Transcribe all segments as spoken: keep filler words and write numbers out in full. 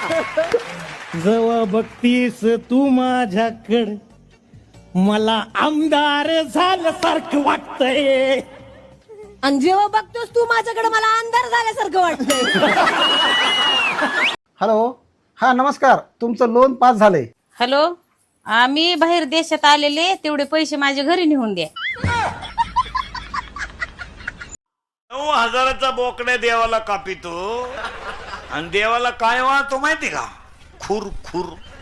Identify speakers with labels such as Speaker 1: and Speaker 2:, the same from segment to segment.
Speaker 1: जेव्हा बघतीस तू माझ्याकडे मला आमदार झाल्यासारखं वाटतंय,
Speaker 2: आणि जेव्हा बघतोस तू माझ्याकडे मला अंधार झाल्यासारखं वाटतंय.
Speaker 3: हॅलो, हा नमस्कार, तुमचं लोन पास झालंय.
Speaker 4: हॅलो, आम्ही बाहेर देशात आलेले, तेवढे पैसे माझ्या घरी नेऊन द्या.
Speaker 5: नऊ हजाराचा बोकड्या देवाला कापितो आणि देवाला काय वाहतो माहिती का? खुर खुर.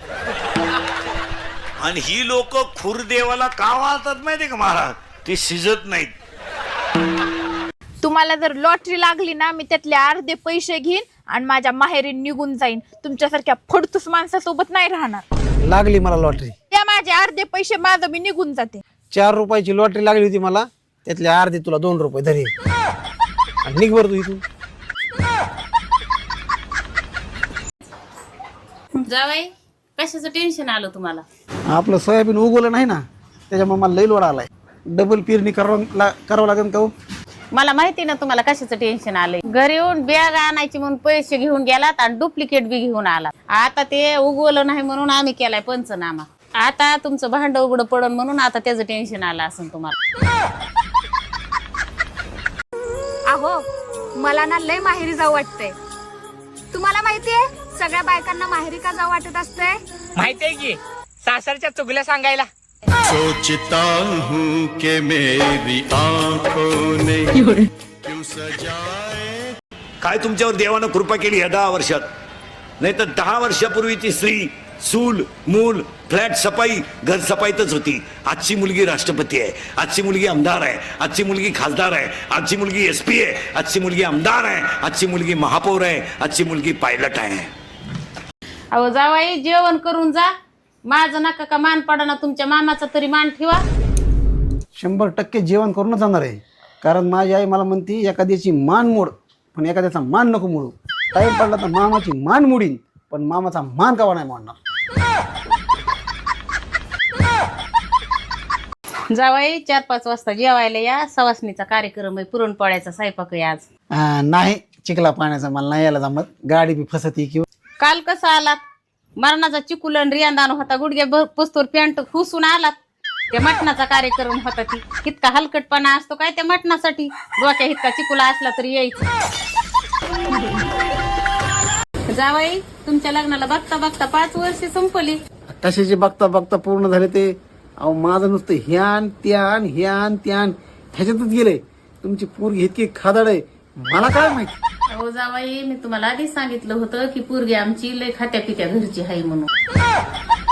Speaker 5: आणि ही लोक खुर देवाला का वाहतात माहिती का महाराज? ती शिजत नाहीत.
Speaker 6: तुम्हाला जर लॉटरी लागली ना, मी त्यातले अर्धे पैसे घेईन आणि माझ्या माहेरी निघून जाईन. तुमच्यासारख्या फडतूस माणसासोबत नाही राहणार.
Speaker 3: लागली मला लॉटरी,
Speaker 6: त्या माझे अर्धे पैसे माझं मी निघून जाते.
Speaker 3: चार रुपयाची लॉटरी लागली होती मला, त्यातले अर्धे तुला दोन रुपये धरे आणि निघ बरं तू इथून.
Speaker 4: जावाई, कशाचं टेन्शन आलं तुम्हाला?
Speaker 3: आपलं सोयाबीन उगवलं नाही ना, त्याच्यामुळे मला लई लोड आलाय. डबल पेरणी करावं ला- करावं लागेल का हो?
Speaker 4: मला माहिती ना तुम्हाला कशाचं टेन्शन आलंय. घरी येऊन बॅग आणायची म्हणून पैसे घेऊन गेलात आणि डुप्लिकेट बी घेऊन आलात. आता ते उगवलं नाही म्हणून आम्ही केलाय पंचनामा. आता तुमचं भांड उघडं पडन म्हणून आता त्याचं टेन्शन आलं असं तुम्हाला.
Speaker 6: अहो, मला ना लय माहेरी जाऊ वाटतंय. तुम्हाला माहितीये सगळ्या बायकांना माहेरी का जाऊ वाटत असते?
Speaker 7: माहितीये की सासरच्या चुगल्या सांगायला.
Speaker 8: सोचता हूँ कि मेरी आंखों ने क्यों सजाए.
Speaker 5: काय तुमच्यावर देवानं कृपा केली या दहा वर्षात? नाही तर दहा वर्षापूर्वी ती स्त्री चूल मूल फ्लॅट सफाई घर सफाईतच होती. आजची मुलगी राष्ट्रपती आहे, आजची मुलगी आमदार आहे, आजची मुलगी खासदार आहे, आजची मुलगी एस पी आहे, आजची मुलगी आमदार आहे, आजची मुलगी महापौर आहे, आजची मुलगी पायलट आहे.
Speaker 4: अहो जावाई, जेवण करून जा. माझं नका का मान पडा, तुमच्या मामाचा तरी मान ठेवा.
Speaker 3: शंभर टक्के जेवण करूनच जाणार आहे, कारण माझी आई मला म्हणती एखाद्याची मान मोड पण एखाद्याचा मान नको मोडू. टाईम पडला तर मामाची मान मोडीन, पण मामाचा मान कवा नाही मोडणार.
Speaker 4: जावाई, चार पाच वाजता जेवायला या. सवासणीचा कार्यक्रम आहे, पुरणपोळ्याचा स्वयंपाक आहे आज.
Speaker 3: आ, नाही, चिखला पाण्याचा मला नाही यायला जमत, गाडी बी फसती किंवा.
Speaker 4: काल कसं आलात? मरणाचा चिकुलन रियांदान होता, गुडघ्या पुस्तूर पॅन्ट खुसून आलात. त्या मटणाचा कार्यक्रम होता, ती इतका हलकटपणा असतो काय त्या मटणासाठी? डोक्या इतका चिकुला असला तरी यायचं. जावाई, तुमच्या लग्नाला बघता बघता पाच वर्ष संपली.
Speaker 3: कशाचे बघता बघता पूर्ण झाले ते. अहो माझं नुसतं ह्यान त्यान ह्यान त्यान ह्याच्यातच गेले. तुमची पोरगी इतकी खादाड आहे, मला काय माहिती.
Speaker 4: हो जावाई, मी तुम्हाला आधीच सांगितलं होतं की पोरगी आमची लय खात्या पित्या घरची आहे म्हणून.